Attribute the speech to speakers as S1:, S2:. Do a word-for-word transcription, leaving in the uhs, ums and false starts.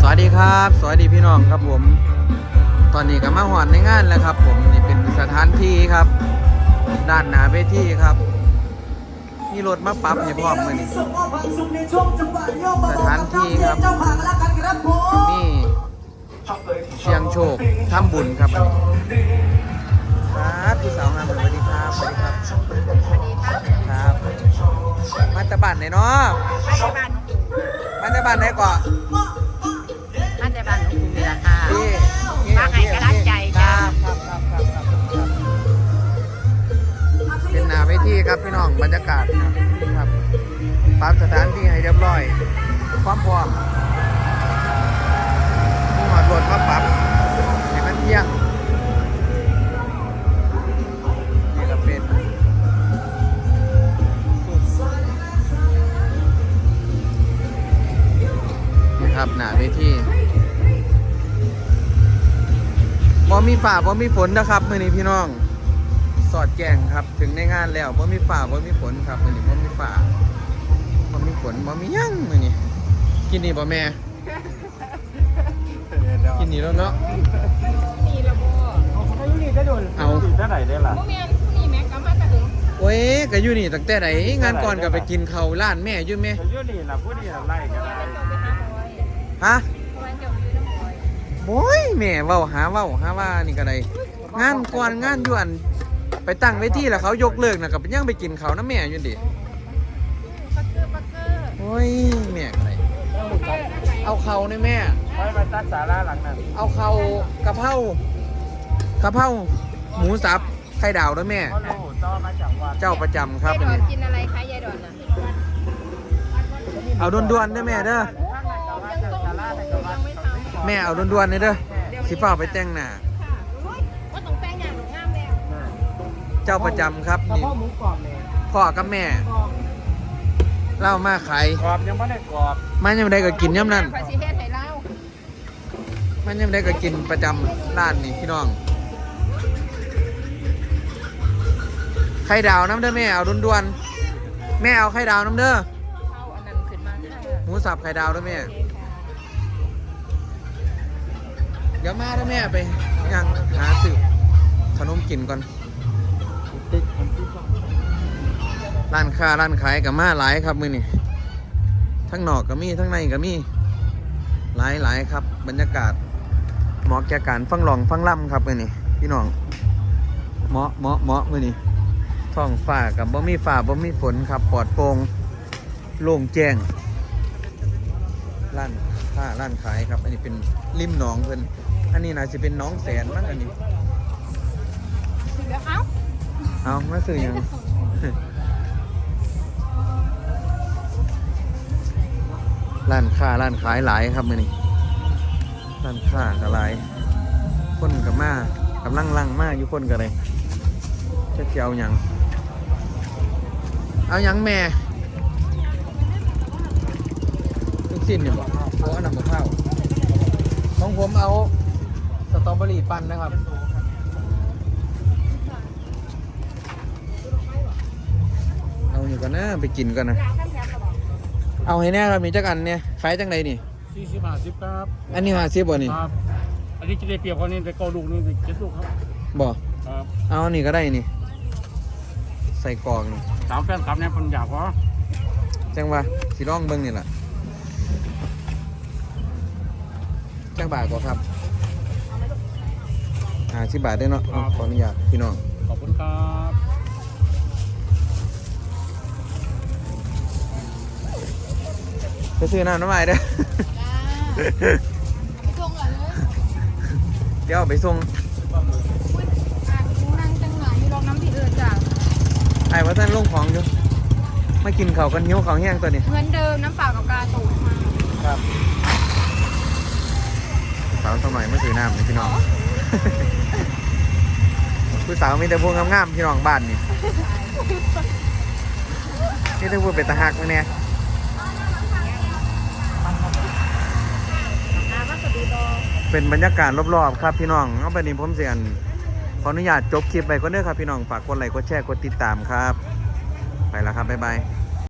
S1: วัสดีครับสวัสดีพี่น้องครับผมตอนนี้ก็มาหอดในงานแล้วครับผมนี่เป็นสถานที่ครับด้านหน้าเวทีครับมีรถมาปรับให้พร้อมมือนี่สถานที่ครับนี่เชียงโชคทำบุญครับอันนี้ครับพี่สาวงามสวัสดีครับสวัสดีครับสวัสดีครับครับมาจากบ้านไหนเนาะมาจากบ้านไหนก่อน
S2: มาจากบ้านหลวงปู่นี่แหละค่ะมาให้กำลังใจจ้า
S1: ครับครับครับครับเป็นหน้าเวทีครับพี่น้องบรรยากาศครับปรับสถานที่ให้เรียบร้อยความพร้อมมีหอดรถมาปรับให้มันเที่ยงนี่ก็เป็นนี่ครับหน้าเวทีบ่มีฝ่าบ่มีฝนนะครับมื้อนี้พี่น้องสอดแจ้งครับถึงในงานแล้วบ่มีฝ่าบ่มีฝนครับมื้อนี้บ่มีฝ่าบ่มีฝนบ่มีหยังมื้อนี้กินนี่บ่แม่กินนี่แล้วเนาะ
S2: นี่ละบ่
S3: เอาเขาอยู่นี่ได้โดนเอาได้ไหนได้ล่ะ
S2: บ่แม่นนี่แม่ก็มาแต่ถึง
S1: โอ้ยก็อยู่นี่ตั้งแต่ไหนงานก่อนก็ไปกินข้าวร้านแม่อยู่แม่
S3: อยู่นี่ล่ะผู้นี่ล่ะไล่กันได้
S1: ฮะโอ้ยแม่เว้าหาเว้าหาว่านี่ก็ได้งานก่อนงานอยู่อันไปตั้งเวทีแล้วเขายกเลิกน่ะก็เป็นยังไปกินข้าวน้ำแม่อยู่ดิ
S2: ปักเกอร์ปักเกอร์
S1: โอ้ยแม่ก็ได้เอาเข้านี่แม่
S3: ไปไปตัดศาลาหลังนั้น
S1: เอาเข้ากะเพรากะเพราหมูสับไข่ดาวด้วยแม่เจ้าประจำครับ
S2: ยายดอนกินอะไรคะยายดอนน่ะ
S1: เอาด่วนๆเด้อแม่เด้อแม่เอาด่วนๆเลยเด้อสิเฝ้าไปแต่งหน้า
S2: ว่าต้องแต่งอย่างงามแล้ว
S1: เจ้าประจำครับนี่พ่อกับแม่เล่ามาขาย
S3: กรอบยังไม่ได้กรอบ
S1: มันยังได้ก็กินย่ำนั่น
S2: ขอสิเฮ็ดให้เล่า
S1: มันยังได้ก็กินประจำร้านนี่พี่น้องไข่ดาวน้ำเด้อแม่เอาด่วนๆแม่เอาไข่ดาวน้ำเด้อ
S2: เอาอันนั้นขึ้นมา
S1: หมูสับไข่ดาวด้วยแม่เดี๋ยวมาด้วยแม่ไปยังหาซื้อขนมกินก่อนร้านค้าร้านขายกับมาหลายครับมื้อนี้ทั้งนอกก็มีทั้งในก็มีหลายหลายครับบรรยากาศเหมาะแก่การฟังร้องฟังล่ำครับมื้อนี้พี่น้องเหมาะเหมาะเหมาะมื้อนี้ท้องฟ้ากับบ่มีฟ้าบ่มีฝนครับปลอดโปร่งโล่งแจ้งร้านค้าร้านขายครับอันนี้เป็นริมหนองเพิ่นอันนี้น่าจะเป็นน้องแสนมั้งอันนี้
S2: เอา
S1: เอามาซื้อยังร้านค้าร้านขายหลายครับมื้อนี้ร้านค้าก็หลายคนกับมากำลังลังมาอยู่คนกันเลยจะเกี่ยวยังเอายังแม่ลูกชิ้นเนี่ยบอกเอาอันนั้นหมกข้าวของผมเอาสตรอเบอรี่ปั่นนะครับเอาอยู่กันนะไปกินกันนะเอาให้แน่ครับมีจักอันเนี่ยขายจังไดนี่
S3: สี่สิบห้าสิบครับ
S1: อันนี้ห้าสิบบ่นี่
S3: ครับอันนี้จะได้เปรียบคนนี้ไปเกาลูกนึงเจ็ดลูกครับ
S1: บ่
S3: ครับ
S1: เอานี่ก็ได้นี่ใส่กล่องนี่
S3: สามแฟนครับเนี่ยคนอยากเพราะ
S1: จังวะสีร่องเบิ้งนี่แหละจังบาทก็ครับอ่าสิบบาทได้เนาะขออนุญาตพี่น้อง
S3: ขอบคุณครับ
S1: ไปซื้อน้ำน้ำใหม่เด้อเดี๋ยวไปส่ง
S2: นั่งจังหวะอยู่รองน้ำที่อื่นจ้ะ
S1: ไอ้ว่าท่านลงของอยู่ไม่กินเขากันหิวเขาแห้งตัวนี้
S2: เหมือนเดิมน้ำเปล่ากับกาตูดมา
S1: ครับสาวสักหน่อยมาซื้อน้ำนี่พี่น้องผู้สาวมีแต่พวกงามๆพี่น้องบ้านนี่นี่ถ้าพูดเป็นตาหักไหมเนี่ยเป็นบรรยากาศรอบๆครับพี่น้องเอาไปนี่ผมเสียนขออนุญาตจบคลิปไปก็เด้อครับพี่น้องฝากกดไลค์กดแชร์กดติดตามครับไปแล้วครับบ๊ายบาย